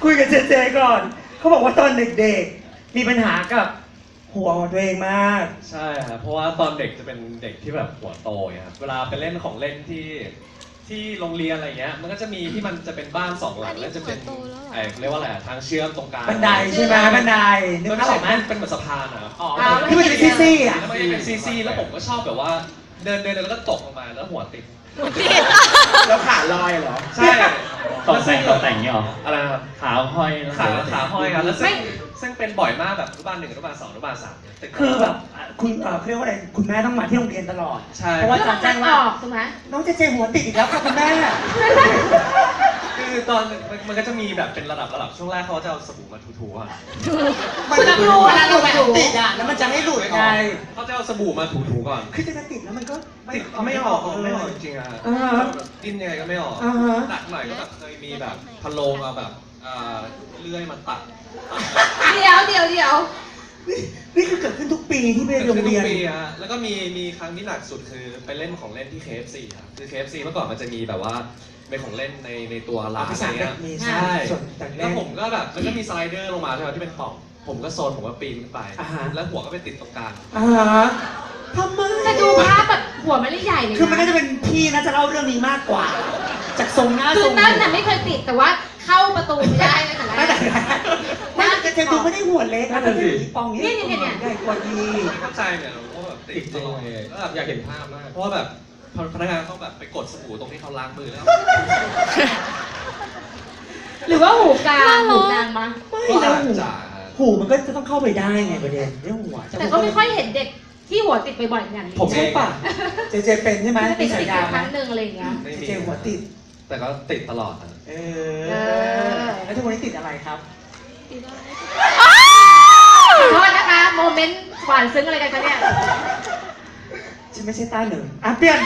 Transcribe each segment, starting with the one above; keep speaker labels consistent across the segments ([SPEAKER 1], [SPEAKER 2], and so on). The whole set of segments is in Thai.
[SPEAKER 1] คุยกับเจเจก่อนเขาบอกว่าตอนเด็กๆมีปัญหากับหัวของตัวเองมาก
[SPEAKER 2] ใช่ครับเพราะว่าตอนเด็กจะเป็นเด็กที่แบบหัวโตครับเวลาไปเล่นของเล่นที่โรงเรียนอะไรเงี้ยมันก็จะมีที่มันจะเป็นบ้าน2 หลังแล้วจะเป็นเรียกว่าอะไรทางเชื่อมตรงกลาง
[SPEAKER 1] บันไดใช่ไหมบันไดนึก
[SPEAKER 2] มัน
[SPEAKER 1] ภาพ
[SPEAKER 2] ไม่
[SPEAKER 1] อ
[SPEAKER 2] ใช่
[SPEAKER 1] อกไหม
[SPEAKER 2] เป็นเหมือนสะพานนะครับ
[SPEAKER 1] ที่มันจะเป็นซี่ๆอ่ะ
[SPEAKER 2] แล้วมันจะเป็นซี่แล้วผมก็ชอบแบบว่าเดินแล้วก็ตกลงมาแล้วหัวติด
[SPEAKER 3] แล้วขาลอยเหรอ
[SPEAKER 2] ใช่
[SPEAKER 4] ตกแต่งเนี่ยหรอ
[SPEAKER 2] อะไรนะครับ
[SPEAKER 4] ขาห้อย
[SPEAKER 2] ขาห้อยครับแล้วซึ่งเป็นบ่อยมากแบบอนุบาล 1 อนุบาล 2 อนุบาล 3
[SPEAKER 1] คือแบบคุณเรียกว่าอะไรคุณแม่ต้องมาที่โรงเรียนตลอด
[SPEAKER 2] ใช่
[SPEAKER 1] เพราะว่าจะแจ้งว่า
[SPEAKER 5] ถูกไหม
[SPEAKER 1] น้องเจเจหัวติดอีกแล้วค่ะคุณแม่
[SPEAKER 2] คือตอนมันก็จะมีแบบเป็นระดับช่วงแรกเขาจะเอาสบู่มาถูๆอ่ะ
[SPEAKER 1] มันจะรู้เวลาเราแบบติดอ่ะแล้วมันจะไม่หลุดไง
[SPEAKER 2] เขาจะเอาสบู่มาถูๆก่อน
[SPEAKER 1] คือจะติดแล้วมันก็
[SPEAKER 2] ติดไม่ออกจริงๆอ่ะดิ้นยังไงก็ไม่ออกหนักหน่อยก็แบบเคยมีแบบพะโลงเอาแบบเลื่อยมาตัด
[SPEAKER 5] เดี๋ยว
[SPEAKER 1] นี่คือเกิดขึ้นทุกปีที่ไปโรงเรียน
[SPEAKER 2] ทุกปีฮะแล้วก็มีครั้งที่หนักสุดคือไปเล่นของเล่นที่ KFC ครับคือ KFC เมื่อก่อนมันจะมีแบบว่าเป็นของเล่นในตัวร้านอะไรเงี้ย
[SPEAKER 1] มี
[SPEAKER 2] ใช่
[SPEAKER 1] ส่วนต่างๆ
[SPEAKER 2] แล้วผมก็แบบมันก็มีสไลเดอร์ลงมาใช่ไหมที่เป็นปล่องผมก็โซนผมก็ปีนขึ้นไป แล้วหัวก็ไปติดตรงกลาง
[SPEAKER 1] ทำไม
[SPEAKER 5] จะดูภาพแบบหัวมันไม่ใหญ่เลย
[SPEAKER 1] คือมันน่าจะเป็นพี่น่าจะเล่าเรื่องนี้มากกว่า จากทรงหน้า
[SPEAKER 5] คื
[SPEAKER 1] ทร
[SPEAKER 5] อง นั่นน่ะไม่เคยติดแต่ว่าเข้าประตูไม่ได้เลยแต่แร
[SPEAKER 1] ไม่แต่
[SPEAKER 5] ก
[SPEAKER 1] ไม่แต่เจดูไม่ได้หัวเล็กนะแต่เป็นปองนี้
[SPEAKER 5] เนี่ย
[SPEAKER 1] ใหญ่กว่าดี
[SPEAKER 2] ไม่เข้าใจเนี่ยว่าแบบติดตลอดแล้วแบบอยากเห็นภาพมากเพราะว่าแบบพนักงานต้องแบบไปกดสบู่ตรงที่เขาล้างมือแล้ว
[SPEAKER 5] หรือว่าหูกลางหูนางมา
[SPEAKER 1] ไม่
[SPEAKER 2] ก็
[SPEAKER 1] แล้ว
[SPEAKER 2] อาจ
[SPEAKER 1] หู
[SPEAKER 2] จะ
[SPEAKER 1] หูมันก็จะต้องเข้าไปได้ไงประเด็นเรื่องหัว
[SPEAKER 5] แต่ก็ไม่ค่อยเห็นเด็กที่หัวติดบ่อยๆอย่างนี้
[SPEAKER 1] ผมใช่ป่ะเจเป็นใช่ไหม
[SPEAKER 5] จะติ
[SPEAKER 1] มี
[SPEAKER 5] ด
[SPEAKER 1] ฉา
[SPEAKER 5] ติด
[SPEAKER 1] ยา
[SPEAKER 5] ค
[SPEAKER 1] ไหม
[SPEAKER 5] รั้งหนึ่งอะไรอย่างเงี้ย
[SPEAKER 1] เจหัวติด
[SPEAKER 2] แต่ก็ติดตลอดนะ
[SPEAKER 1] แล้วทุกวันนี้ติดอะไรครับ
[SPEAKER 5] ขอโทษนะคะโมเมนต์หวานซึ้งอะไรกันคะเนี่ย
[SPEAKER 1] ฉันไม่ใช่ต้าเหนึ่งเปลี่ยน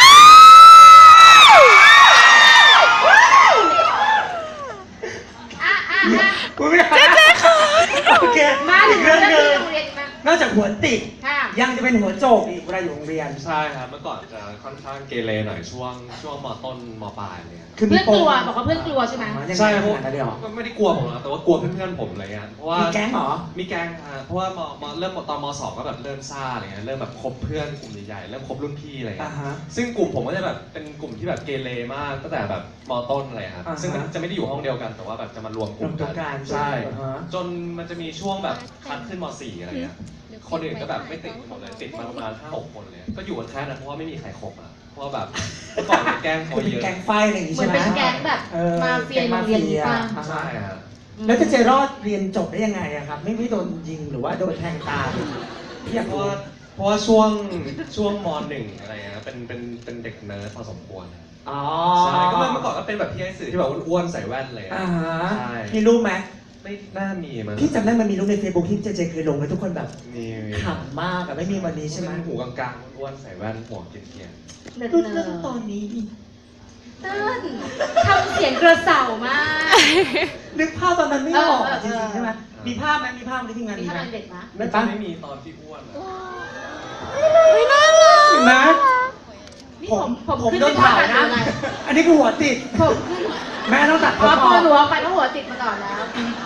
[SPEAKER 1] เจ๊ค่ะโอเค
[SPEAKER 5] มาถึ
[SPEAKER 1] อี
[SPEAKER 5] ง
[SPEAKER 1] ก
[SPEAKER 5] เรื่
[SPEAKER 1] เรื่
[SPEAKER 5] อ
[SPEAKER 1] อง งหนึ่ง
[SPEAKER 5] ที่โรงเรียนมาน
[SPEAKER 1] อกจากหัวติด
[SPEAKER 5] ค่ะ
[SPEAKER 1] ยังจะเป็นหัวโจกอีกเวลาอยู่โรงเรียน
[SPEAKER 2] ใช่ครับเมื่อก่อนจะค่อนข้างเกเรหน่อยช่วงมต้นมปลายเลย
[SPEAKER 1] คือ
[SPEAKER 5] เพื่อนกลัวบอกว่าเพื่อนกลัวใช่ไหม
[SPEAKER 2] ใช่
[SPEAKER 1] พ
[SPEAKER 2] เพ
[SPEAKER 1] ว
[SPEAKER 2] ราะ
[SPEAKER 1] กนั้นเดียว
[SPEAKER 2] ไม่ได้กลัวผมหรอกแต่ว่ากลัวเพื่อนๆผมอะไรเงี้ยเพราะว่า
[SPEAKER 1] มีแก๊งเหรอ
[SPEAKER 2] มีแก๊งฮะเพราะว่ามเริ่มตอนม2ก็แบบเริ่มซ่าอะไรเงี้ยเริ่มแบบคบเพื่อนกลุ่มใหญ่ๆเริ่มคบรุ่นพี่อะไรเงี้ยซึ่งกลุ่มผมก็จะแบบเป็นกลุ่มที่แบบเกเรมากตั้งแต่แบบมต้นอะไรครับซึ่งมันจะไม่ได้อยู่ห้องเดียวกันแต่ว่าแบบจะมารวมกลุ่มกันใช่จนมันจะมีช่วงแบบคัดขึ้นม4อะไรเงี้ยคนอื่นก็แบบไม่ติดหมดเลยติดมาประมาณ 5-6 คนเลยก็อยู่กันแค่นั้นเพราะว่าไม่มีใครคบอ่ะเพราะว่าแบบเมื่อก่อนแกล้งเขา
[SPEAKER 1] คือ
[SPEAKER 2] เย
[SPEAKER 1] เป็น
[SPEAKER 2] อะ
[SPEAKER 1] แก๊งไฟอะไรอย่างงี้
[SPEAKER 5] เหมือ
[SPEAKER 1] ใช่
[SPEAKER 5] น
[SPEAKER 1] ไหม
[SPEAKER 5] เป็นแก๊งแบบมาเฟียโรงเรียนนี้ป่ะ
[SPEAKER 2] ใช่ฮะ
[SPEAKER 1] แล้วจะเจรอดเรียนจบได้ยังไงอะครับ ไม่โดนยิงหรือว่าโดนแทงตาพี่อยาก
[SPEAKER 2] เพ
[SPEAKER 1] รู้
[SPEAKER 2] ราะว่าช่วงม.1 อะไรเงี้ยเป็นเด็กเนิร์ดพอสมควร
[SPEAKER 1] อ๋อ
[SPEAKER 2] ใช่ก็เมื่อก่อนก็เป็นแบบพี่ไอ้สื่อที่แบบอ้วนๆใส่แว่นเลย ใช่
[SPEAKER 1] มีรูปไหม
[SPEAKER 2] ไม่น่ามีมั้ง
[SPEAKER 1] พี่จำได้มันมีรูปใน Facebook ที่เจเคยลงแล้วทุกคนแบบ
[SPEAKER 2] มี
[SPEAKER 1] ขำมากอะไม่มีวันนี้ใช่ไหม
[SPEAKER 2] เป็นหูกลางๆอ้วนๆใส่แว่นหัวเกรียน
[SPEAKER 5] เนิร์ด
[SPEAKER 1] รุ่น
[SPEAKER 5] เนิ
[SPEAKER 1] เรื่องตอ
[SPEAKER 5] ร์
[SPEAKER 1] นนี้
[SPEAKER 5] ดทำเสียงกระเสามาก
[SPEAKER 1] นึกภาพตอนนั้นไม่ออก
[SPEAKER 5] เออ
[SPEAKER 1] จริงๆใช่ไหมมีภาพไหมมีภาพในที่งาน
[SPEAKER 5] มี
[SPEAKER 1] มี
[SPEAKER 5] ท่า
[SPEAKER 1] ไหม
[SPEAKER 5] นเด็กนะ
[SPEAKER 2] ๆน่าจะไม่มีตอนที่อ้วนอะ
[SPEAKER 1] ไม่น่ารักนะ
[SPEAKER 5] นี่
[SPEAKER 1] ผม
[SPEAKER 5] ขึ้น
[SPEAKER 1] โดนเผานะ
[SPEAKER 5] ไม่
[SPEAKER 1] อันนี้คือหัวติด
[SPEAKER 5] ผมขึ้น
[SPEAKER 1] แม่ต้องตัดผ
[SPEAKER 5] พอ
[SPEAKER 1] ม
[SPEAKER 5] พ
[SPEAKER 1] อ
[SPEAKER 5] อ
[SPEAKER 1] อก
[SPEAKER 5] หนูเอาไปก็หัวติดมาก่อนแล้ว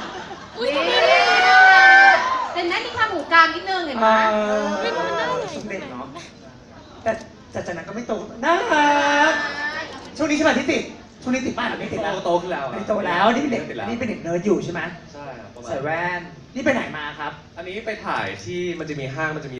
[SPEAKER 5] แต่นั่นมีความหูกลางนิดนึงเห็นไหม
[SPEAKER 1] สมเด็จเนาะแต่จากนั้นก็ไม่โตน่ารักช่วงนี้ใช่ไหมที่ติดช่วงนี้ติดบ้านหรือไม่ติดแล้ว
[SPEAKER 2] โตขึ้นแล้ว
[SPEAKER 1] ไม่โตแล้วนี่เป็นเด็ก
[SPEAKER 2] ติดแล้ว
[SPEAKER 1] นี่เป็นเด็กเนิร์ดอยู่ใช่ไหม
[SPEAKER 2] ใช่ครับประมาณ
[SPEAKER 1] ใส่แว่นนี่ไปไหนมาครับ
[SPEAKER 2] อันนี้ไปถ่ายที่มันจะมีห้างมันจะมี